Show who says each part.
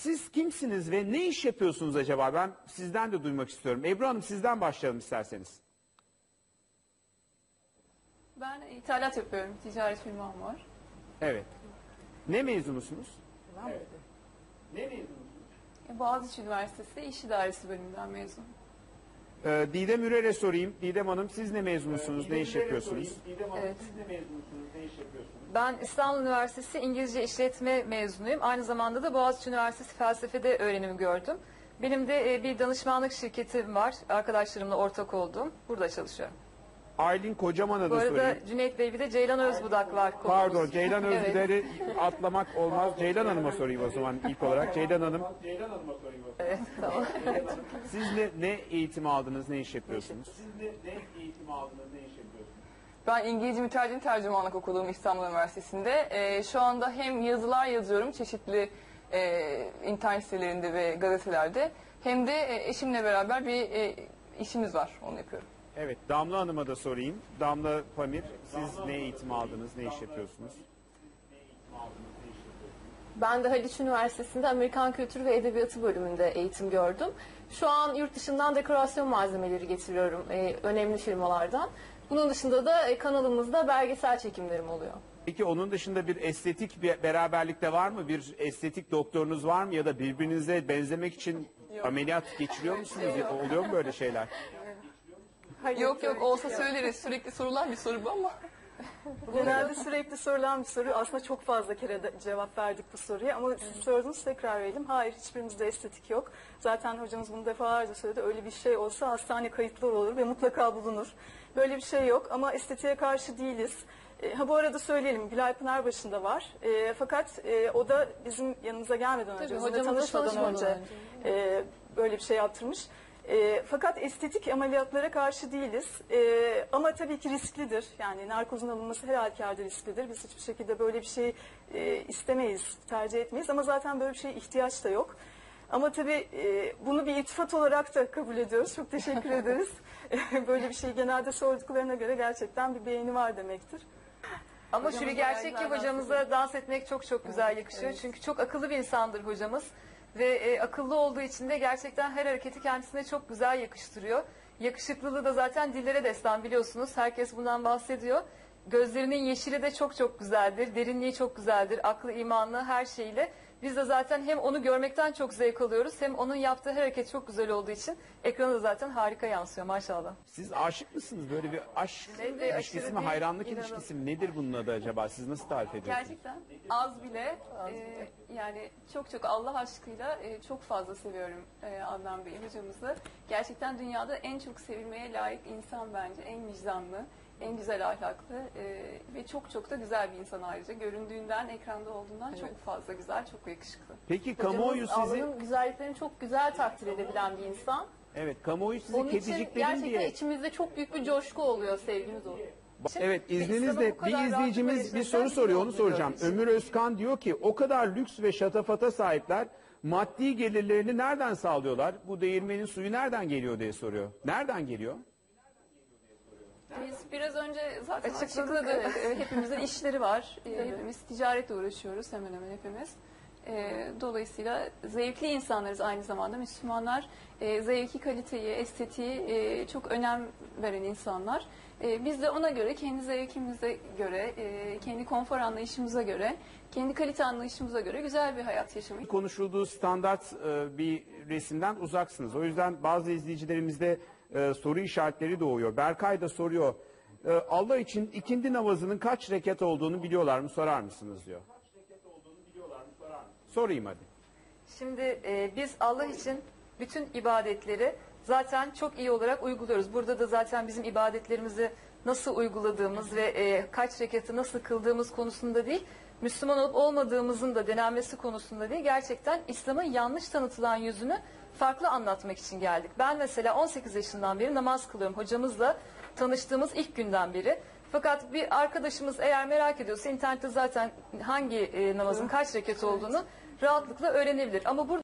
Speaker 1: Siz kimsiniz ve ne iş yapıyorsunuz acaba? Ben sizden de duymak istiyorum. Ebru Hanım, sizden başlayalım isterseniz.
Speaker 2: Ben ithalat yapıyorum. Ticaret firmam var.
Speaker 1: Evet. Ne mezunusunuz? Evet. Ne mezunusunuz?
Speaker 2: Boğaziçi Üniversitesi İş İdaresi bölümünden mezunum.
Speaker 1: Didem Ürer'e sorayım. Didem Hanım, siz ne mezunusunuz? Ne iş yapıyorsunuz? Didem Hanım,
Speaker 3: Evet.
Speaker 1: siz ne mezunusunuz? Ne iş yapıyorsunuz?
Speaker 3: Ben İstanbul Üniversitesi İngilizce İşletme mezunuyum. Aynı zamanda da Boğaziçi Üniversitesi Felsefe'de öğrenimi gördüm. Benim de bir danışmanlık şirketim var. Arkadaşlarımla ortak olduğum. Burada çalışıyorum.
Speaker 1: Aylin Kocaman'a
Speaker 3: Bu
Speaker 1: da
Speaker 3: arada
Speaker 1: sorayım.
Speaker 3: Cüneyt Bey bir de Ceylan Özbudak var. konumuz.
Speaker 1: Pardon, Ceylan
Speaker 3: Evet.
Speaker 1: Özgüder'i atlamak olmaz. Ceylan Hanım'a sorayım o zaman ilk olarak. Ceylan Hanım. Ceylan Hanım'a sorayım o zaman.
Speaker 3: Evet, tamam.
Speaker 1: Siz ne eğitim aldınız, ne iş yapıyorsunuz? Siz ne eğitim aldınız, ne iş yapıyorsunuz?
Speaker 4: Ben İngilizce Mütercim Tercümanlık okudum İstanbul Üniversitesi'nde. Şu anda hem yazılar yazıyorum çeşitli internet sitelerinde ve gazetelerde, hem de eşimle beraber bir işimiz var, onu yapıyorum.
Speaker 1: Evet, Damla Hanım'a da sorayım. Damla Pamir, siz ne eğitim aldınız, ne iş yapıyorsunuz?
Speaker 5: Ben de Haliç Üniversitesi'nde Amerikan Kültürü ve Edebiyatı bölümünde eğitim gördüm. Şu an yurt dışından dekorasyon malzemeleri getiriyorum önemli firmalardan. Bunun dışında da kanalımızda belgesel çekimlerim oluyor.
Speaker 1: Peki onun dışında bir estetik bir beraberlikte var mı? Bir estetik doktorunuz var mı? Ya da birbirinize benzemek için ameliyat geçiriyor musunuz? Oluyor mu böyle şeyler?
Speaker 4: Yok olsa söyleriz, sürekli sorulan bir soru bu ama.
Speaker 6: Genelde sürekli sorulan bir soru. Aslında çok fazla kere de cevap verdik bu soruya ama siz sordunuz, tekrar verelim. Hayır, hiçbirimizde estetik yok. Zaten hocamız bunu defalarca söyledi. Öyle bir şey olsa hastane kayıtları olur ve mutlaka bulunur. Böyle bir şey yok ama estetiğe karşı değiliz. Bu arada söyleyelim, Gülay Pınarbaşı'nda var. Fakat o da bizim yanımıza gelmeden önce, bizimle tanışmadan önce böyle bir şey yaptırmış. Fakat estetik ameliyatlara karşı değiliz. Ama tabii ki risklidir. Yani narkozun alınması her halükarda risklidir. Biz hiçbir şekilde böyle bir şey istemeyiz, tercih etmeyiz. Ama zaten böyle bir şeye ihtiyaç da yok. Ama tabii bunu bir iltifat olarak da kabul ediyoruz. Çok teşekkür ederiz. Böyle bir şeyi genelde sorduklarına göre gerçekten bir beğeni var demektir.
Speaker 3: Ama şu bir gerçek ki hocamıza dans etmek çok çok güzel yakışıyor.
Speaker 6: Evet.
Speaker 3: Çünkü çok akıllı bir insandır hocamız. Ve akıllı olduğu için de gerçekten her hareketi kendisine çok güzel yakıştırıyor. Yakışıklılığı da zaten dillere destan, biliyorsunuz. Herkes bundan bahsediyor. Gözlerinin yeşili de çok çok güzeldir. Derinliği çok güzeldir. Aklı, imanlı, her şeyle. Biz de zaten hem onu görmekten çok zevk alıyoruz, hem onun yaptığı her hareket çok güzel olduğu için ekrana da zaten harika yansıyor maşallah.
Speaker 1: Siz aşık mısınız? Böyle bir aşk
Speaker 3: Evet,
Speaker 1: ilişkisi
Speaker 3: aşırı
Speaker 1: mi,
Speaker 3: değil,
Speaker 1: hayranlık
Speaker 3: inanın.
Speaker 1: ilişkisi mi? Nedir bunun adı acaba? Siz nasıl tarif ediyorsunuz?
Speaker 2: Gerçekten az bile, yani çok çok Allah aşkıyla çok fazla seviyorum Adnan Bey hocamızı. Gerçekten dünyada en çok sevilmeye layık insan bence. En vicdanlı, en güzel ahlaklı ve çok çok da güzel bir insan ayrıca. Göründüğünden, ekranda olduğundan çok fazla güzel, çok yakışıklı.
Speaker 1: Peki kamuoyu sizi...
Speaker 5: Allah'ın güzelliklerini çok güzel takdir edebilen bir insan.
Speaker 1: Evet, kamuoyu sizi
Speaker 5: Onun için
Speaker 1: kediciklerin
Speaker 5: gerçekten
Speaker 1: diye...
Speaker 5: içimizde çok büyük bir coşku oluyor, sevgimiz oluyor.
Speaker 1: Evet,
Speaker 3: İslam'ı
Speaker 1: izninizle
Speaker 3: bu kadar
Speaker 1: bir izleyicimiz
Speaker 3: rahatlıkla
Speaker 1: bir soru
Speaker 3: yaşasak
Speaker 1: soruyor,
Speaker 3: iyi
Speaker 1: onu
Speaker 3: oluyor.
Speaker 1: soracağım. Ömür Özkan diyor ki, o kadar lüks ve şatafata sahipler, maddi gelirlerini nereden sağlıyorlar? Bu değirmenin suyu nereden geliyor diye soruyor. Nereden geliyor?
Speaker 2: Biz biraz önce zaten
Speaker 3: Açıkladık,
Speaker 2: açıkladık. Hepimizin işleri var. Hepimiz ticaretle uğraşıyoruz, hemen hemen hepimiz. Dolayısıyla zevkli insanlarız aynı zamanda. Müslümanlar zevki, kaliteyi, estetiği çok önem veren insanlar. Biz de ona göre, kendi zevkimize göre, kendi konfor anlayışımıza göre, kendi kalite anlayışımıza göre güzel bir hayat yaşamayı
Speaker 1: Konuşulduğu standart bir resimden uzaksınız. O yüzden bazı izleyicilerimizde soru işaretleri doğuyor. Berkay da soruyor. Allah için ikindi namazının kaç rekat olduğunu biliyorlar mı, sorar mısınız diyor. Sorayım hadi.
Speaker 3: Şimdi biz Allah için bütün ibadetleri zaten çok iyi olarak uyguluyoruz. Burada da zaten bizim ibadetlerimizi nasıl uyguladığımız ve kaç rekatı nasıl kıldığımız konusunda değil, Müslüman olup olmadığımızın da denenmesi konusunda değil, gerçekten İslam'ın yanlış tanıtılan yüzünü farklı anlatmak için geldik. Ben mesela 18 yaşından beri namaz kılıyorum, hocamızla tanıştığımız ilk günden beri. Fakat bir arkadaşımız eğer merak ediyorsa internette zaten hangi namazın kaç rekat olduğunu rahatlıkla öğrenebilir. Ama burada